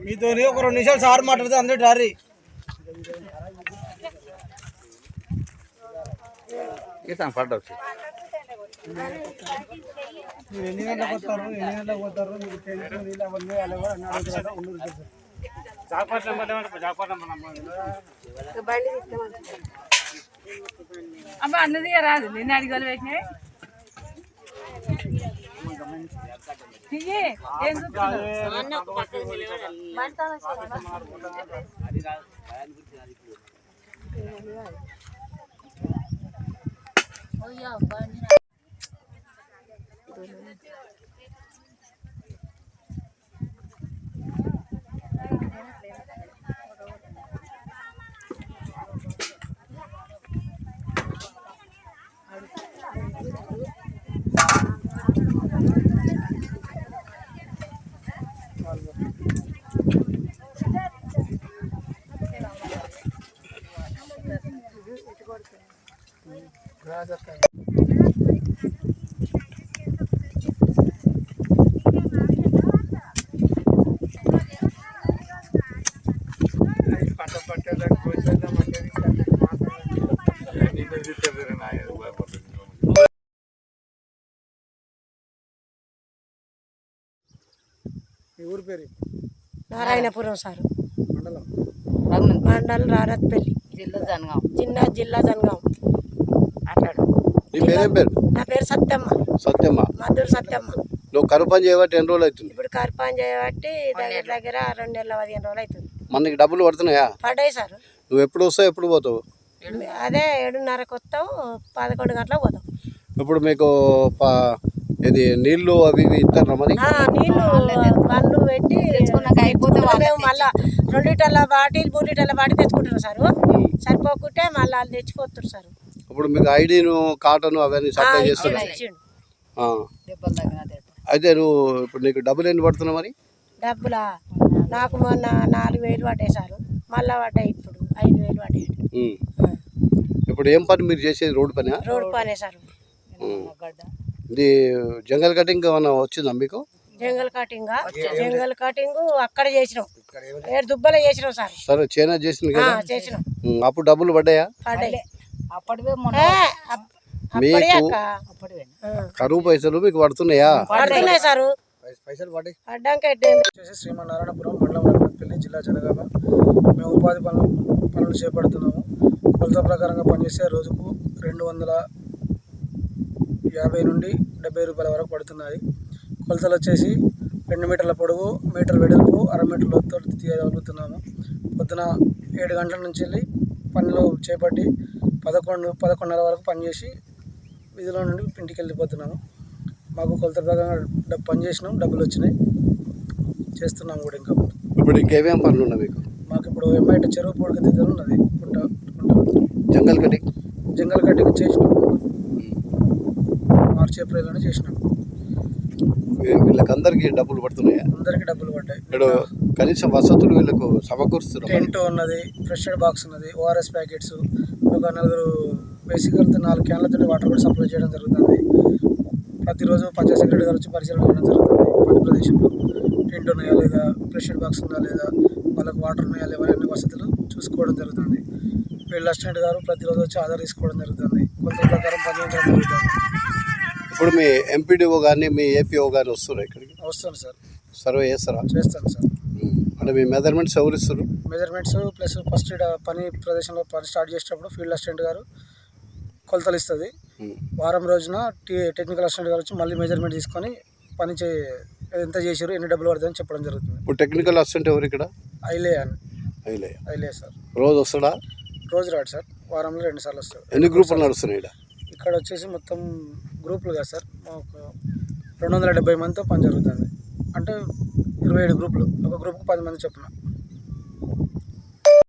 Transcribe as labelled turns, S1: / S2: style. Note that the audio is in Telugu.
S1: మీతో ఒక 2 నిమిషాలు సార్ మాట్లాడితే అందరూ డారీ మీరు ఎన్ని గంటలకు వస్తారు మీకు తెలిసిన అవన్నీ
S2: అమ్మ అన్నది రాదు నేను అడిగలు పెట్టినాయి
S1: ఊరు పేరు
S3: నారాయణపురం సార్
S1: మండలం
S3: మండలం రారత్పల్లి జిల్లా జనగాం. నా పేరు సత్యమ్మ మధుర సత్యమ్మ.
S4: నువ్వు కరువు పని చేయబట్టి ఎన్ని రోజులు అవుతుంది?
S3: ఇప్పుడు కరువు పని చేయబట్టి దగ్గర 2 నెలల 15 రోజులు అవుతుంది.
S4: మనకి డబ్బులు పడుతున్నాయా?
S3: పడ్డాయి సార్.
S4: నువ్వు ఎప్పుడు వస్తావు ఎప్పుడు పోతావు?
S3: అదే 7:30కు వస్తాం, 11 గంటలకు పోతాం.
S4: ఇప్పుడు మీకు ఇది నీళ్లు అవి ఇవి ఇస్తారా? మరి
S3: నీళ్లు బండ్లు పెట్టి మేము మళ్ళీ 2 లీటర్ల బాటిల్ 3 లీటర్ల బాటిల్ తెచ్చుకుంటున్నాం సార్. సరిపోకుంటే మళ్ళీ వాళ్ళు తెచ్చిపోతున్నారు సార్.
S4: ఇప్పుడు మీకు ఐడీను కాటన్ అవన్నీ సప్లై చేస్తున్నారు. అయితే నువ్వు ఇప్పుడు నీకు డబ్బులు ఎన్ని పడుతున్నావు? మరి
S3: డబ్బులా నాకు మొన్న 4,000 పడ్డాయి సార్. మళ్ళీ పడ్డాయి ఇప్పుడు 5,000 పడ్డాయి.
S4: ఇప్పుడు ఏం పని మీరు చేసేది? రోడ్డు పని?
S3: రోడ్డు పనే సార్.
S4: ఇది జంగల్ కటింగ్ ఏమన్నా వచ్చిందా మీకు?
S3: జంగల్ కటింగ్ అక్కడ చేసినాం, 7 దుబ్బలు చేసినాం సార్.
S4: సరే చైనా చేసింది కదా,
S3: చేసినాం.
S4: అప్పుడు డబ్బులు పడ్డాయా? మీకు కరువు పైసలు మీకు పడుతున్నాయా?
S3: పడుతున్నాయి సార్.
S1: శ్రీమన్నారాయణపురం మండలం రామపల్లి జిల్లా జనగామ. మేము ఉపాధి పనులు చేపడుతున్నాము. కొలత ప్రకారంగా పనిచేస్తే రోజుకు 250 నుండి 70 రూపాయల వరకు పడుతున్నాయి. కొలతలు వచ్చేసి 2 మీటర్ల పొడవు, మీటర్ వెడల్పు, 1/2 మీటర్ లోతుతో తీయగలుగుతున్నాము. పొద్దున 7 గంటల నుంచి వెళ్ళి పనిలో చేపట్టి 11:30 వరకు పనిచేసి వీధిలో నుండి ఇంటికి వెళ్ళిపోతున్నాము. మాకు కొలత ప్రకారంగా పని చేసినాం, డబ్బులు వచ్చినాయి, చేస్తున్నాము కూడా. ఇంకా
S4: ఇప్పుడు ఇంకేమేం పనులు ఉన్నాయి మీకు?
S1: మాకు ఇప్పుడు ఎంఐటి చెరువు పొడికి దగ్గర ఉన్నది.
S4: జంగల్ కటింగ్ చేసినాం, మార్చి ఏప్రిల్లోనే చేసినాం. వీళ్ళకి అందరికి డబ్బులు పడుతున్నాయా?
S1: అందరికి డబ్బులు పడ్డాయి.
S4: ఇప్పుడు కనీసం వసతులు వీళ్ళకు సమకూరుస్తున్నారు.
S1: టెంట్ ఉన్నది, ఫ్రెష్ ఎయిడ్ బాక్స్ ఉన్నది, ORS ప్యాకెట్స్, ఒక 4 బేసిక్గా 4 క్యాన్లతో వాటర్ కూడా సప్లై చేయడం జరుగుతుంది. ప్రతిరోజు పంచాయత్ సెక్రటరీ గారు వచ్చి పరిశీలన చేయడం జరుగుతుంది. పని ప్రదేశంలో టెంట్ ఉన్నాయా లేదా, ఫ్రెష్ ఎయిడ్ బాక్స్ ఉందా లేదా, వాళ్ళకు వాటర్ ఉన్నాయా లేదా, అన్ని వసతులు చూసుకోవడం జరుగుతుంది. ఫీల్డ్ అసిస్టెంట్ గారు ప్రతిరోజు వచ్చి ఆధార్ తీసుకోవడం జరుగుతుంది. కొలత ప్రకారం పనిచేయడం జరుగుతుంది.
S4: ఇప్పుడు మీ ఎంపీడీఓ కానీ మీ ఏపీఓ కానీ వస్తున్నారు ఇక్కడికి?
S1: వస్తాను సార్.
S4: సర్వే చేస్తారా?
S1: చేస్తాను సార్.
S4: అంటే మీ మెజర్మెంట్స్ ఎవరు ఇస్తారు?
S1: మెజర్మెంట్స్ ప్లస్ ఫస్ట్ పని ప్రదేశంలో పని స్టార్ట్ చేసేటప్పుడు ఫీల్డ్ అసిస్టెంట్ గారు కొలతలు ఇస్తుంది. వారం రోజున టెక్నికల్ అసిస్టెంట్ గారు వచ్చి మళ్ళీ మెజర్మెంట్ తీసుకొని పని ఎంత చేసారు, ఎన్ని డబ్బులు పడుతుందని చెప్పడం జరుగుతుంది.
S4: ఇప్పుడు టెక్నికల్ అసిస్టెంట్ ఎవరు ఇక్కడ?
S1: ఐలే సార్.
S4: రోజు వస్తాడా?
S1: రోజు రాడు సార్, వారంలో 2 సార్లు వస్తాడు.
S4: ఎన్ని గ్రూపులు నడుస్తున్నాయి
S1: ఇక్కడ వచ్చేసి మొత్తం గ్రూపులు కదా సార్, మాకు 270 మందితో పని జరుగుతుంది. అంటే 27 గ్రూపులు, ఒక గ్రూప్కి 10 మంది చొప్పున.